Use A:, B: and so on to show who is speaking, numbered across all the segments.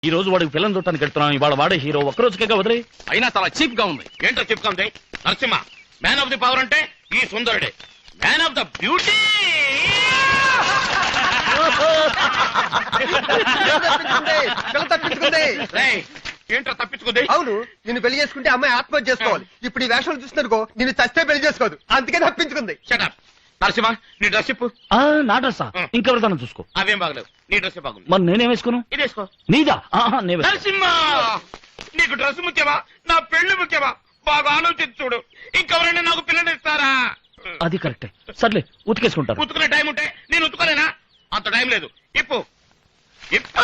A: ఈ రోజు వాడికి పిల్లలు చూడటానికి వెళ్తున్నాం. ఇవాళ వాడే హీరో, ఒక్కరోజుకే వదిలే.
B: అయినా చాలా చీప్ గా ఉంది. ఏంటో చీప్ గా ఉంది? Narasimha man of the power అంటే ఈ సుందరుడే. మ్యాన్ ఆఫ్ ద బ్యూటీ ఏంటో తప్పించుకుంది.
C: అవును, నిన్ను పెళ్లి చేసుకుంటే అమ్మాయి ఆత్మహత్య చేసుకోవాలి. ఇప్పుడు ఈ వేషాలు చూస్తున్నారుకో నిన్ను చస్తే పెళ్లి చేసుకోదు, అందుకే తప్పించుకుంది.
B: షటప్ నరసింహ, నీ డ్రెస్ చెప్పు.
A: నా డ్రెస్సా? ఇంకెవరిదాన్ని చూసుకో.
B: అవేం బాగలేవు, నీ డ్రెస్ బాగుంది.
A: మరి నేనేం వేసుకోను?
B: ఇది వేసుకో.
A: నీదా?
B: నరసింహ, నీకు డ్రెస్ ముఖ్యమా, నా పెళ్లి ముఖ్యమా? బాగా ఆలోచించి చూడు. ఇంకెవరైనా నాకు పిల్లని ఇస్తారా?
A: అది కరెక్టే. సర్లే, ఉతికేసుకుంటాను.
B: ఉతుకునే టైం ఉంటే నేను ఉతుకోలేనా? అంత టైం లేదు. ఇప్పు ఇప్పు.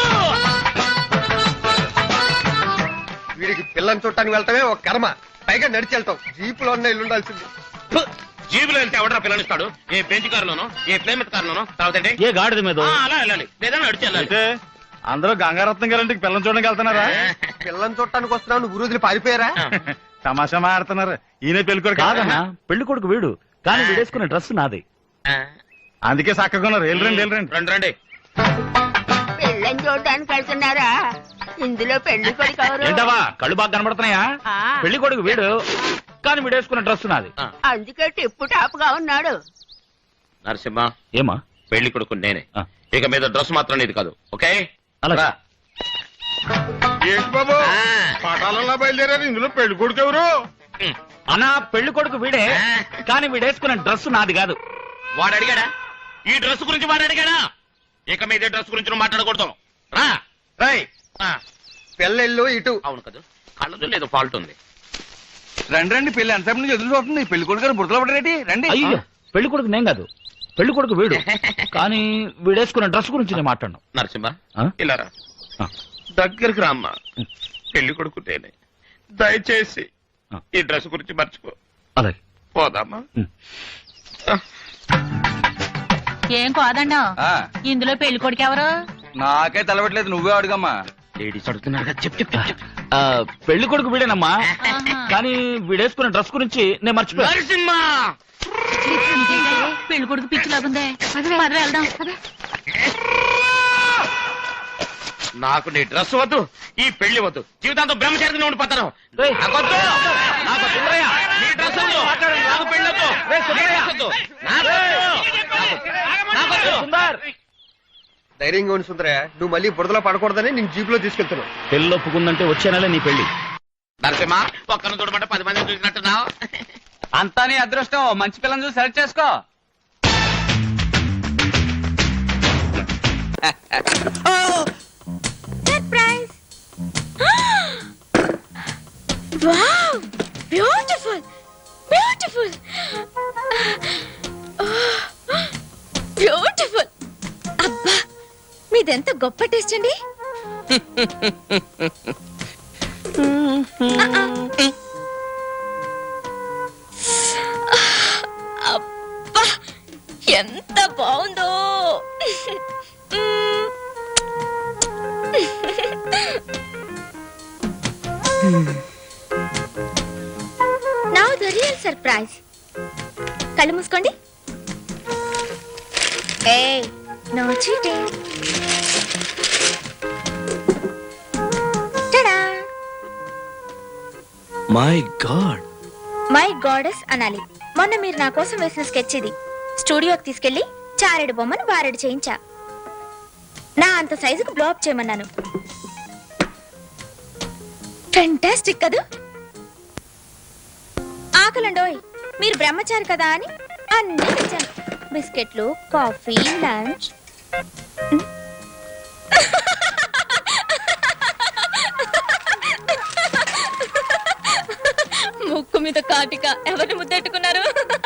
C: వీడికి పిల్లని చూడటానికి వెళ్తామే ఒక కర్మ, పైగా నడిచి వెళ్తాం. జీపులో ఉన్న ఇల్లు ఉండాల్సింది.
B: జీబులో వెళ్తే ఎవడరా పిల్లనిస్తాడు? ఏ బెంచ్ కారులోనో, ఏ ప్లేమెట్ కారులోనో, తర్వాత
A: ఏ గాడిద మీద
B: అలా వెళ్ళాలి, లేదా నడిచి వెళ్ళాలి.
D: అందరూ గంగారత్నం గారింటికి పిల్లలు చూడడానికి వెళ్తున్నారా?
C: పిల్లని చూడటానికి వస్తున్నావు, నువ్వు రోజులు పారిపోయారా?
D: తమాషా మాడుతున్నారు. ఈయన పెళ్ళికొడుకు
A: కాదన్నా, పెళ్లి కొడుకు వీడు, కానీ వీడేసుకునే డ్రెస్ నాది.
D: అందుకే చక్కగా ఉన్నారు. వెళ్ళరండి వెళ్ళరండి.
B: రండి రండి.
E: పెళ్ళని చూడడానికి వెళ్తున్నారా? ఇందులో పెళ్లి కొడుకు ఎవరు?
A: ఏంటవా కళ్ళు బాగా కనబడుతున్నాయా? పెళ్లి కొడుకు వీడు, కానీ వీడేసుకునే డ్రెస్ నాది.
E: అందుకే టిప్పు టాప్ గా ఉన్నాడు.
B: నరసింహ,
A: ఏమా?
B: పెళ్లి కొడుకు నేనే. ఇక మీద డ్రెస్ మాత్రం నీది కాదు, ఓకే?
A: అలా
D: ఏంటి బాబు పటాలలో బయలుదేరారు, ఇందులో పెళ్లి కొడుకు ఎవరు?
A: అన్నా, పెళ్లి కొడుకు వీడే, కానీ వీడేసుకునే డ్రెస్ నాది కాదు.
B: వాడు అడిగాడా? ఈ డ్రెస్ గురించి వాడు అడిగాడా? ఇక మీద డ్రెస్ గురించి నువ్వు మాట్లాడకూడదు. రా.
C: రై,
B: ఆ,
C: పిల్లలు ఇటు.
B: అవును కదా, కళ్ళదు లేదు ఫాల్ట్ ఉంది.
D: రండి రండి, పెళ్లి ఎంతసేపు నుంచి ఎదురు చూస్తుంది. పెళ్లి కొడుకు గారు బుడతలు పడరేటి? రండి.
A: అయ్యో, పెళ్లి కొడుకు నేను కాదు, పెళ్లి కొడుకు వీడు, కానీ వీడేసుకునే డ్రెస్ గురించి నేను మాట్లాడను.
B: నరసింహ,
A: ఆ?
B: ఇలా రా. దగ్గరికి రామ్మా. పెళ్లి కొడుకు నేనే. దయచేసి ఈ డ్రెస్ గురించి మర్చిపో.
A: అలాగే.
B: పోదామా?
F: ఏం కాదండా,
D: ఆ,
F: ఇందులో పెళ్లి కొడుకు ఎవరు?
D: నాకే తెలవట్లేదు, నువ్వే అడుగమ్మా.
B: లేడీస్ అడుగుతున్నారు కదా, చెప్పు చెప్పు చెప్పు.
A: పెళ్లి కొడుకు వీడేనమ్మా,
F: ఆహా.
A: కానీ వీడేసుకునే డ్రెస్ గురించి నేను మర్చిపోయా.
B: నరసింహ,
F: ఇదేంటే, పెళ్లి కొడుకు పిచ్చిలాగుందే. పద వెళ్దాం.
B: నాకు నీ డ్రెస్ వద్దు, ఈ పెళ్లి వద్దు. జీవితాంతం బ్రహ్మచారిగా ఉండిపోతాను.
A: రేయ్,
B: నాకొద్దు. నాకు సుందరయ్య, నీ డ్రెస్ వద్దు. నాకు పెళ్లి వద్దు. నీ డ్రెస్ వద్దు. నాకొద్దు.
A: సుందర్,
C: ధైర్యంగా ఉండి సుందరయ్య, నువ్వు మళ్ళీ బురదలో పడకూడదని నేను జీపులో తీసుకెళ్తున్నావు.
A: పెళ్లి ఒప్పుకుందంటే వచ్చే నెల నీ పెళ్లి.
B: నరసింహ, ఒక్కరిని చూడమంటే 10 మందిని చూసినట్టున్నావు.
D: అంతా నీ అదృష్టం. మంచి పిల్లని చూసి సెలెక్ట్ చేసుకో.
G: Surprise! Wow! Beautiful! Beautiful! Beautiful! అబ్బా, మీదెంత గొప్ప టేస్ట్ అండి. అబ్బా, ఎంత బాగుందో. Now the real surprise. కళ్ళు మూసుకోండి. Hey, no cheating. Ta-da!
H: My God,
G: my goddess అనాలి. మొన్న మీరు నా కోసం వేసిన స్కెచ్ ఇది. స్టూడియోకి తీసుకెళ్లి చారెడు బొమ్మను బారెడు చేయించా. నా అంత సైజుకు బ్లోఅప్ చేయమన్నాను. ఫెంటాస్టిక్ కదూ? ఆకలండోయ్, మీరు బ్రహ్మచారి కదా అని అన్నీ తెచ్చాను. బిస్కెట్లు, కాఫీ, లంచ్. ముక్కు మీద కాటిక ఎవరిని ముద్దెట్టుకున్నారు?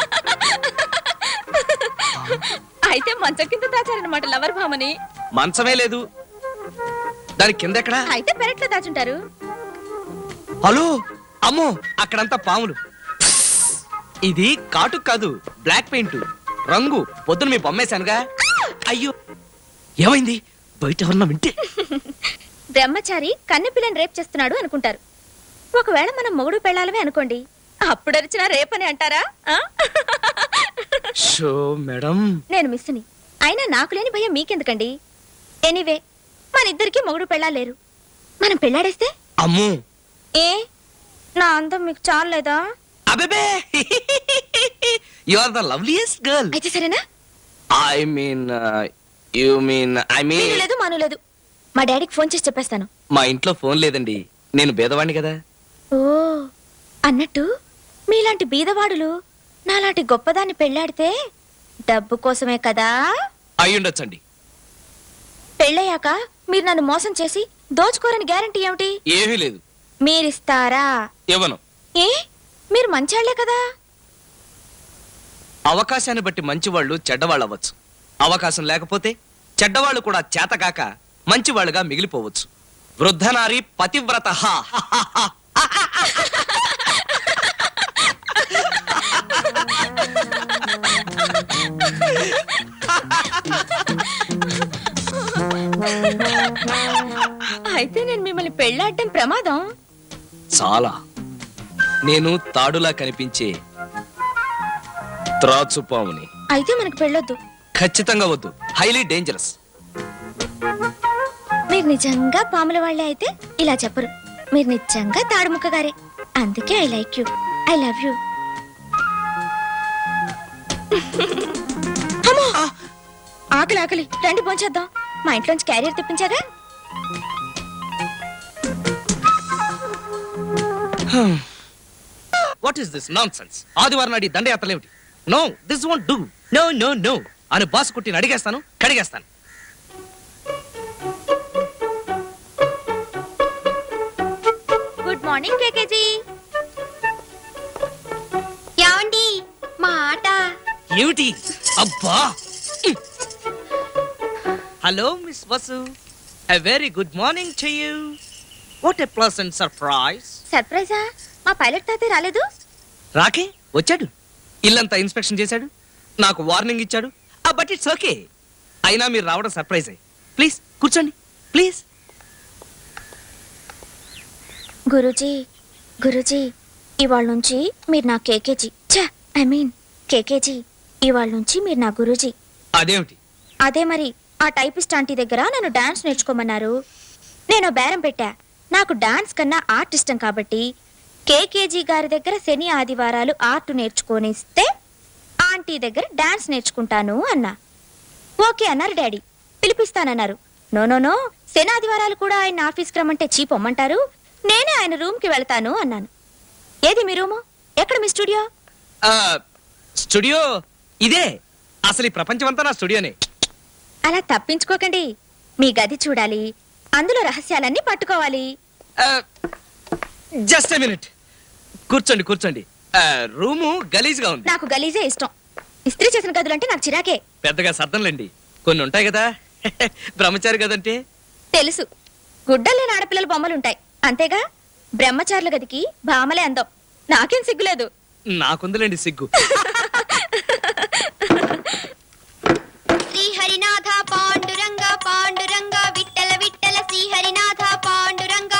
G: అయితే మంచం కింద దాచారనమాట లవర్ భామని.
H: మంచమే లేదు, దాని కింద ఎక్కడా?
G: అయితే పెరట్లో దాచుంటారు.
H: హలో, అమ్మో, అక్కడంతా పాములు. ఇది కాటుకు కాదు, బ్లాక్ పెయింట్ రంగు. పొద్దున మీ బొమ్మేశానుగా. అయ్యో, ఏమైంది? బయట ఎవరన్నా వింటే?
G: బ్రహ్మచారి కన్నెపిల్లని రేప్ చేస్తున్నాడు అనుకుంటారు. ఒకవేళ మనం మొగుడు పెళ్ళాలమే అనుకోండి, అప్పుడు అరిచినా రేపని అంటారా?
H: షో మేడం,
G: నేను మిస్సుని, అయినా నాకు లేని భయం మీకెందుకండి? ఎనీవే, మన ఇద్దరికి మొగుడు పెళ్ళాలేరు. మనం పెళ్ళాడేస్తే
H: అమ్ము
G: ఏ నా అందం మీకు చాలేదా?
H: అబేబే you are the loveliest girl.
G: అయితే సరేనా?
H: ఐ మీన్ యు మీన్
G: నేను లేదు మాను లేదు. మా డాడీకి ఫోన్ చేసి చెప్పేస్తాను.
H: మా ఇంట్లో ఫోన్ లేదండి, నేను బేదవాణ్ణి కదా.
G: ఓ అన్నట్టు మీలాంటి బీదవాడులు నాలాంటి గొప్పదాన్ని పెళ్ళాడితే డబ్బు కోసమే కదా?
H: అయ్యుండొచ్చండి.
G: పెళ్ళయ్యాక మీరు నన్ను మోసం చేసి దోచుకోరని గ్యారంటీ ఏమిటి?
H: ఏమీ లేదు.
G: మీరిస్తారా?
H: ఇవ్వను.
G: ఏ మీరు మంచాళ్లే కదా?
H: అవకాశాన్ని బట్టి మంచివాళ్ళు చెడ్డవాళ్ళు అవ్వచ్చు. అవకాశం లేకపోతే చెడ్డవాళ్ళు కూడా చేతకాక మంచివాళ్ళుగా మిగిలిపోవచ్చు. వృద్ధనారి పతివ్రత.
G: అయితే నేను మిమ్మల్ని పెళ్ళాడటం ప్రమాదం.
H: చాలా. నేను తాడులా కనిపించే త్రాచుపాముని.
G: అయితే మనకు పెళ్ళొద్దు.
H: ఖచ్చితంగా వద్దు. Highly dangerous.
G: మీరు నిజంగా పాముల వాళ్ళే అయితే ఇలా చెప్పరు. మీరు నిజంగా తాడుముక్క గారే. అందుకే I like you, I love you. ఆకలి ఆకలి, రండి భోంచేద్దాం. మా ఇంట్లోంచి క్యారియర్ తెప్పించాగా.
H: What is this nonsense? ఆదివారం నాడి దండయాత్రలేమిటి? No, this won't do. No no no అని బాస్ కుట్టిని అడిగేస్తాను, కడిగేస్తాను.
G: Good morning KKG. యాండి మా ఆట.
H: ఏమిటి? అబ్బా! Hello miss Vasu, a very good morning to you. What a pleasant surprise.
G: సర్ప్రైజా? మా పైలట్ తాతే రాలేదు?
H: రాకే వచ్చాడు, ఇల్లంతా ఇన్స్పెక్షన్ చేశాడు, నాకు వార్నింగ్ ఇచ్చాడు. But it's okay. అయినా మీరు రావడం సర్ప్రైజే. ప్లీజ్ కూర్చోండి, ప్లీజ్.
G: గురూజీ గురూజీ, ఇవాళ నుంచి మీరు నా కేకేజీ. ఐ మీన్ కేకేజీ, ఇవాళ నుంచి మీరు నా గురూజీ.
H: అదేమిటి?
G: అదే మరి, ఆ టైపిస్ట్ ఆంటీ దగ్గర నన్ను డాన్స్ నేర్చుకోమన్నారు. నేను బేరం పెట్టా. నాకు డాన్స్ కన్నా ఆర్ట్ ఇష్టం కాబట్టి కేకేజీ గారి దగ్గర శని ఆదివారాలు ఆర్ట్ నేర్చుకోనిస్తే ఆంటీ దగ్గర డాన్స్ నేర్చుకుంటాను అన్నా. ఓకే అన్నారు డాడీ. పిలిపిస్తానన్నారు. నో నో నో, శని ఆదివారాలు కూడా ఆయన ఆఫీస్కి రమ్మంటే చీపొమ్మంటారు, నేనే ఆయన రూమ్కి వెళ్తాను అన్నాను. ఏది మీ రూము? ఎక్కడ మీ స్టూడియో?
H: స్టూడియో ఇదే. అసలు ఈ ప్రపంచమంతా నా స్టూడియోనే.
G: అలా తప్పించుకోకండి. మీ గది చూడాలి, అందులో రహస్యాలన్నీ పట్టుకోవాలి.
H: Just a minute. కూర్చోండి కూర్చోండి. రూము గలీజ్గా ఉంది.
G: నాకు గలీజే ఇష్టం. ఇస్త్రీ చేసిన గదులంటే నాకు చిరాకే.
H: పెద్దగా సర్దంలేండి, కొన్ని ఉంటాయి కదా. బ్రహ్మచారి గదంటే
G: తెలుసు. గుడ్డలేని ఆడపిల్లల బొమ్మలుంటాయి అంతేగా. బ్రహ్మచారుల గదికి భామలే అందం. నాకేం సిగ్గులేదు.
H: నాకుందిలేండి సిగ్గు.
G: శ్రీహరినాథ పాండురంగ పాండురంగ విట్టల విట్టల శ్రీహరినాథ పాండురంగ.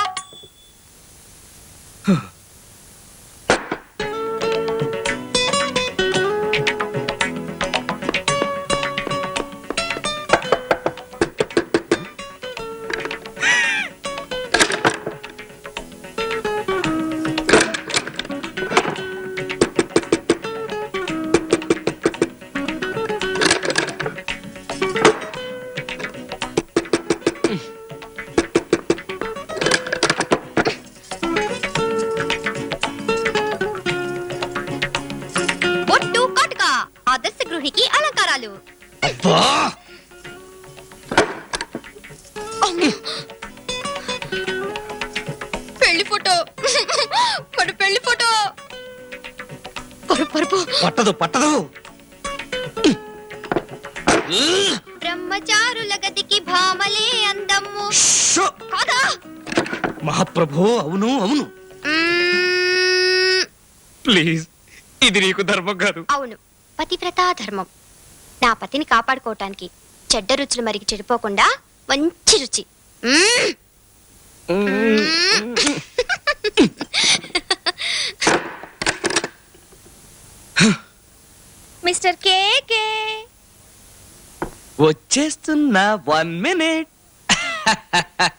G: బొట్టు కాటుక ఆదర్శ గృహికి అలంకారాలు.
H: అబ్బా!
G: పెళ్లి ఫోటో, మన పెళ్లి ఫోటో. పరుపు
H: పట్టదు పట్టదు.
G: బ్రహ్మచారుల గదికి భామలే అందము
H: షో!
G: కాదా?
H: మహాప్రభు, అవును అవును. ప్లీజ్, ఇది నీకు ధర్మం కాదు.
I: అవును, పతివ్రతా ధర్మం. నా పతిని కాపాడుకోవటానికి చెడ్డ రుచులు మరికి చెడిపోకుండా మంచి రుచి.
G: మిస్టర్ కేకే
H: వచ్చేస్తున్నా, 1 minute.